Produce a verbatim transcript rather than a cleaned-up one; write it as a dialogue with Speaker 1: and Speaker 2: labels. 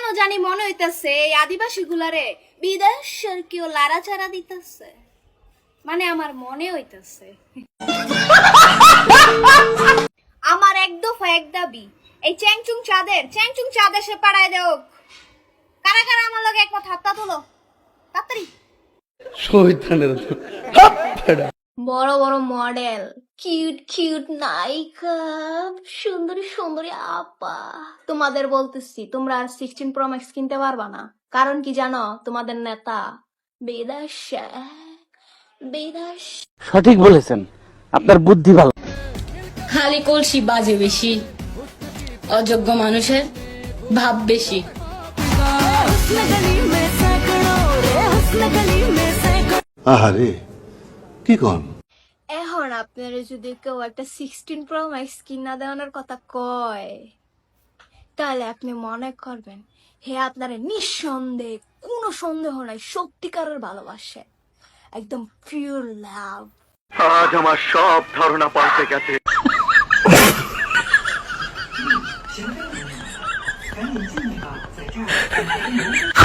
Speaker 1: জানি মনে হইতেছে এই আদিবাসী গুলারে বিদেশের কেউ লাড়াচাড়া দিতেছে, মানে আমার মনে হইতেছে। আমার এক দফা এক দাবি, এই চ্যাংচুং চাঁদের চ্যাংচুং চাঁদের সে পাড়ায় দেও। কারা কারা আমার লগে একমত হাতটা তোলো তাড়াতাড়ি। বড় বড় মডেল, কিউট কিউট নায়িকা, সুন্দরী সুন্দরী আপা, তোমাদের বলতেছি তোমরা আর সিক্সটিন প্রো ম্যাক্স কিনতে পারবা না। কারণ কি জানো? তোমাদের নেতা বিদেশে বিদেশ।
Speaker 2: সঠিক বলেছেন, আপনার বুদ্ধি ভালো।
Speaker 3: খালি কলসি বাজে বেশি, অযোগ্য মানুষের ভাব বেশি।
Speaker 4: আহারে কি কন?
Speaker 1: এখন আপনারা যদি কেউ একটা সিক্সটিন প্রো ম্যাক্স কিনা দেওয়ানোর কথা কয়, তাহলে আপনি মনে করবেন হে আপনারা নিঃসন্দেহে, কোনো সন্দেহ নাই, সত্যিকারের ভালোবাসে, একদম পিওর লাভ।
Speaker 5: আজ আমার সব ধারণা পাল্টে গেছে।